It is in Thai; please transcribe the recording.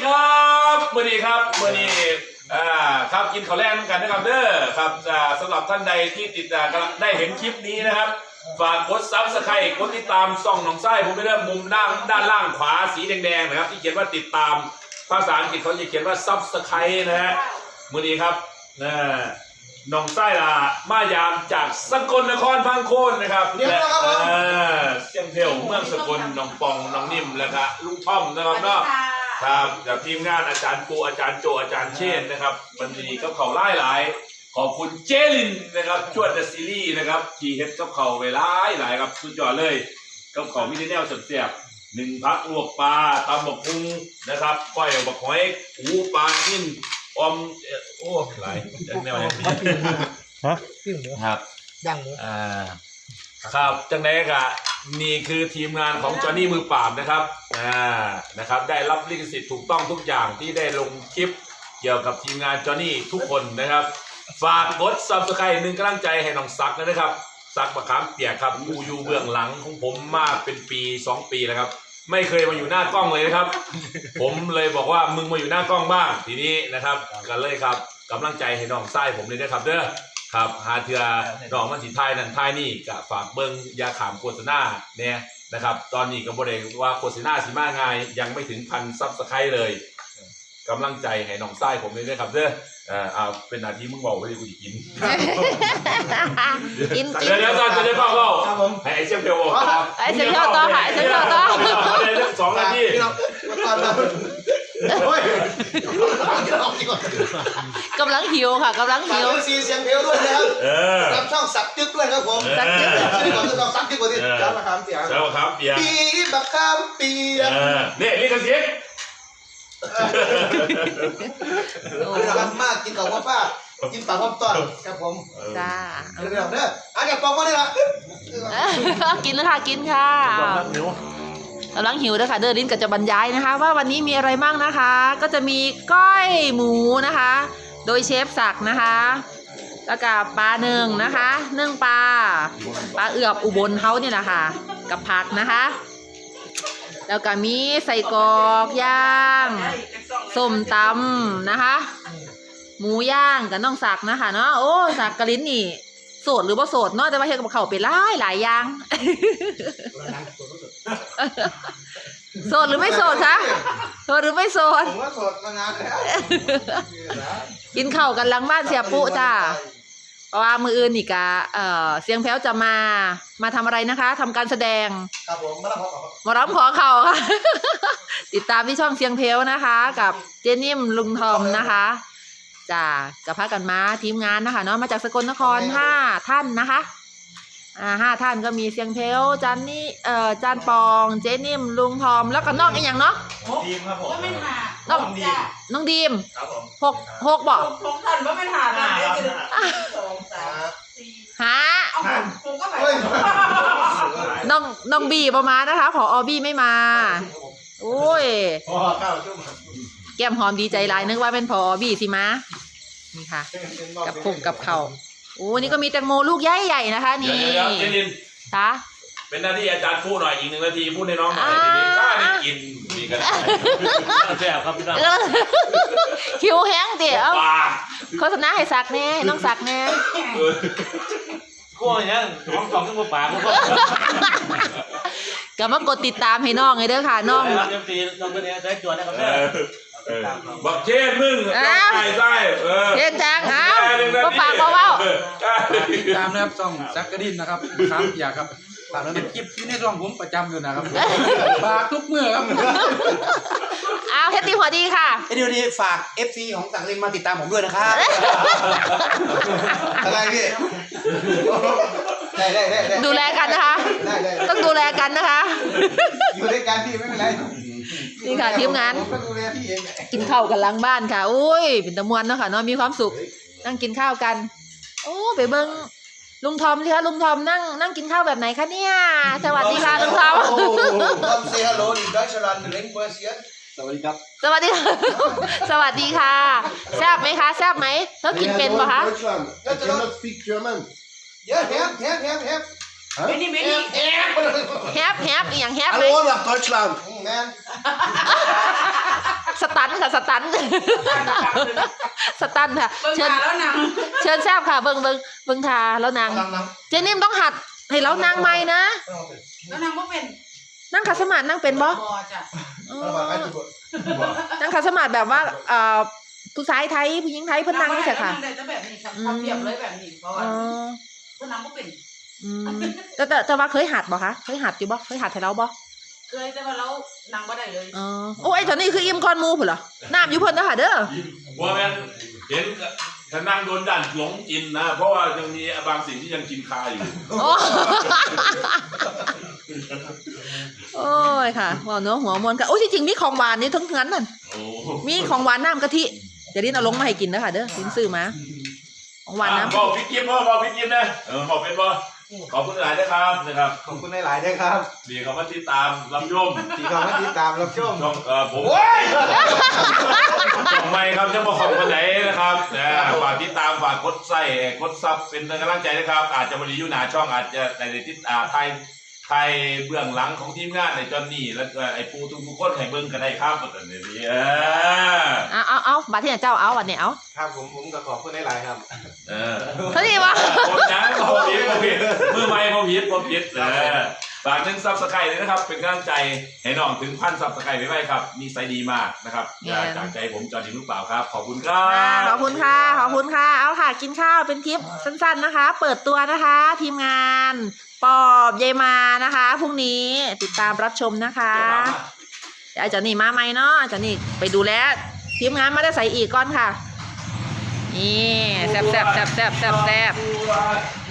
ครับมื่อนี้ครับกินข้าวแรงกันนะครับเด้อครับสำหรับท่านใดที่ติดตามได้เห็นคลิปนี้นะครับฝากกดซับสไครต์กดติดตามส่องหนองไส้ผมไปเริ่มมุมด้านล่างขวาสีแดงๆนะครับที่เขียนว่าติดตามภาษาอังกฤษเขาจะเขียนว่าซับสไครต์นะฮะมื่อนี้ครับหนองไส้ละมายามจากสกลนครพังโคนนะครับเสียงเพลเมืองสกลน้องปองน้องนิ่มแล้วก็ลุงท่อมนะครับเนาะครับกับทีมงานอาจารย์ปูอาจารย์โจอาจารย์เชนนะครับวันนี้ก็เขาหลายขอบคุณเจลินนะครับจวดเดอะซีรีส์นะครับที่เฮ็ดกับเขาไว้หลายครับสุดยอดเลยกับเขามินิแนลเสียบหนึ่งพักลวกปลาตำบักหุ่งนะครับก้อยบักหอยหูปลานิ่มอมโอ้หลายจังแนวอย่างนี้ฮะครับย่างหมูครับจังไดกะนี่คือทีมงานของจอห์นนี่มือปราบนะครับนะครับได้รับลิขสิทธิ์ถูกต้องทุกอย่างที่ได้ลงคลิปเกี่ยวกับทีมงานจอห์นนี่ทุกคนนะครับฝากกด Subscribe 1กำลังใจให้น้องซักนะครับซักมะขามเปียกครับอยู่เบื้องหลังของผมมาเป็นปี2 ปีแล้วครับไม่เคยมาอยู่หน้ากล้องเลยนะครับ ผมเลยบอกว่ามึงมาอยู่หน้ากล้องบ้างทีนี้นะครับกันเลยครับกำลังใจให้น้องไส้ผมเลยนะครับเด้อครับหาเถื่อน้องมันสิท้ายนั่นท้ายนี่ก็ฝากเบิ้งยาขามโฆษณาเนี่ยนะครับตอนนี้ก็บ่ได้ว่าโฆษณาสิมาง่ายยังไม่ถึง1,000 Subscribe เลยกำลังใจให้น้องไส้ผมเลยนะครับเด้อเอาเป็นหน้าที่มึงบอกว่ากูจะกินเดี๋ยวจะได้เล่าให้ไอ้เชี่ยวเพียวบอกไอ้เชี่ยวต่อค่ะไอ้เชี่ยวต่อได้เรื่อง2 นาทีกำลังหิวค่ะกำลังหิวซีเสียงเพลด้วยนะครับรับช่องสักจึ๊กด้วยครับผมสักจึ๊กก่อนจะต้องสักจึ๊กก่อนที่จะมาทำเสียงจะมาทำเปียกปีบักคำเปียกเนี่ยลิขสิทธิ์รักมากกินกับว่าป้ากินปากพร้อมต้อนครับผมจ้าเรื่องเด้ออาจจะปองมาได้ละกินแล้วค่ะกินค่ะกำลังหิวด้วยค่ะเดินลิ้นก็จะบรรยายนะคะว่าวันนี้มีอะไรบ้างนะคะก็จะมีก้อยหมูนะคะโดยเชฟศักดิ์นะคะแล้วก็ปลาหนึ่งนะคะนึ่งปลาเอือบอุบลเขาเนี่ยนะคะกับผักนะคะแล้วก็มีใส่กรอกย่างส้มตำนะคะหมูย่างกับน้องศักดิ์นะคะเนาะโอ้ศักดิ์กะลิ้นนี่โสดหรือว่าโสดเนาะแต่ว่าเฮ็ดกับเขาไปหลายอย่างโสดหรือไม่โสดคะโสดหรือไม่โสดผมว่าโสดมานานแล้วกินข้าวกันหลังบ้านเสียปุ๊จ้าเพราะว่ามืออื่นนี่กะเสียงแพ้วจะมาทำอะไรนะคะทำการแสดงครับผมมาร้องขอเขาค่ะติดตามที่ช่องเสียงเพลวนะคะกับเจนิ่มลุงทอมนะคะจ้ากับพากันมาทีมงานนะคะเนาะมาจากสกลนคร5 ท่านนะคะ5 ท่านก็มีเสียงเพลวจันนี่จานปองเจนิ่มลุงทอมแล้วก็น้องอีกอย่างเนาะดีมครับผมน้องดีมครับผม 6บอก 6 ท่านว่าไม่หาได้2 3 4 น้องบีประมาณนะคะผอบีไม่มาโอ้ยแก้มหอมดีใจหลายนึกว่าเป็นผอบีสิมานี่ค่ะกับผงกับเขาโอ้นี่ก็มีแตงโมลูกใหญ่ๆนะคะนี่ค่ะเป็นหน้าที่อาจารย์พูดหน่อยอีก1 นาทีพูดให้น้องหน่อยทีนี้ถ้าได้กินมีกันแซ่บครับพี่น้องคิวแห้งเดี๋ยวโฆษณาให้สักแน่น้องสักแน่กลัวอย่างนั้นน้อง2 ชั่วโมงป่าก็มากดติดตามให้น้องไงเด้อค่ะน้องน้องเป็นยังไงได้จวดนะครับบักเชนมึงใช่เชนจังเอาก็ฝากเบาตามนะครับช่องซักกระดินนะครับครับอยากครับฝากแล้วเป็นคลิปที่ในช่องผมประจำอยู่นะครับฝากทุกเมื่อครับเอาเฮตตี้หัวดีค่ะเดี๋ยวนี้ฝาก FC ของสังลินมาติดตามผมด้วยนะครับอะไรพี่ได้ดูแลกันนะคะต้องดูแลกันนะคะอยู่ด้วยกันพี่ไม่เป็นไรนี่ค่ะทีมงานกินข้าวกันหลังบ้านค่ะอุ้ยเป็นตะมวนเนาะค่ะเนาะมีความสุขนั่งกินข้าวกันโอ้ไปเบิ้งลุงทอมสิคะลุงทอมนั่งกินข้าวแบบไหนคะเนี่ยสวัสดีค่ะลุงทอม say hello in Deutschland language สวัสดีครับสวัสดีสวัสดีค่ะแซ่บไหมคะแซ่บไหมเธอกินเป็นปะคะ I cannot speak German yeah have many แฮปอย่างแฮปไหม Hallo nach Deutschland man สตันค่ะสตันสตันค่ะเบิ่งเชิญมาแล้วนางเชิญแซบค่ะเบิ่งทาแล้วนางนั่งเจนิ่มต้องหัดให้แล้วนางใหม่นะแล้วนางบ่เป็นนั่งขัดสมาธินั่งเป็นบ่บ่จ้ะอ๋อนั่งมาใกล้จุดนั่งขัดสมาธิแบบว่าผู้ชายไทยผู้หญิงไทยเพิ่นนั่งนี่ใช่ค่ะนางได้แต่แบบนี้ครับทำเปรียบเลยแบบนี้เพราะว่าอ๋อเพิ่นนางบ่เป็นอืมแต่ว่าเคยหัดบ่คะเคยหัดอยู่บ่เคยหัดให้เราบ่เคยแต่ว่าเรานางบ่ได้เลยอ๋อโอ้ยตอนนี้คืออิ่มคอนหมูพุ่นเหรอน้ำอยู่เพิ่นเด้อค่ะเด้อว่าแม่นเห็นถ้านั่งโดนดันหลงกินนะ เพราะว่ายังมีบางสิ่งที่ยังกินคาอยู่โอ้ โอ้ยค่ะว่าเนื้อหัวมวนค่ะโอ้ยที่จริงมีของหวานนี่ทั้งนั้นนั่นโอ้มีของหวานน้ำกะทิเดี๋ยวลิ้นเอาลงมาให้กินนะคะเด้อลิ้นซื้อมาของหวานน้ำบอกพี่กิฟต์บอกพี่กิฟต์นะบอกเป็นบ่ขอบคุณหลายนะครับนะครับขอบคุณหลายๆด้วยครับดีเขามาติดตามรับชมที่เขามาติดตามรับชมช่องผมช่องใหม่ครับจะมาของคนไหนนะครับฝากติดตามฝากกดไส้กดซับเป็นกำลังใจนะครับ อาจจะบริยุหนาช่องอาจจะในติดไทยเบื้องหลังของทีมงานในจอนนี่และไอ้ปูทุกคนให้เบิ่งกันได้ครับตอนนี้เอาบาที่ไหนเจ้าเอาวันนี้เอาครับผมก็ขอบคุณหลายๆครับเท่านี้วะผมนะผมผิดมือใหม่ผมผิดฝาก1 Subscribe เลยนะครับเป็นกำลังใจให้น้องถึง1,000 Subscribe ไว้ครับมีไซดีมากนะครับจากใจผมจอร์ดินลูกเปล่าครับขอบคุณครับขอบคุณค่ะขอบคุณค่ะเอาค่ะกินข้าวเป็นคลิปสั้นๆนะคะ เปิดตัวนะคะ ทีมงานปอบยายมานะคะพรุ่งนี้ติดตามรับชมนะคะเดี๋ยวอาจารย์นี่มาไหมเนาะอาจารย์นี่ไปดูแลทีมงานมาได้ใส่อีกก่อนค่ะนี่แซ่บ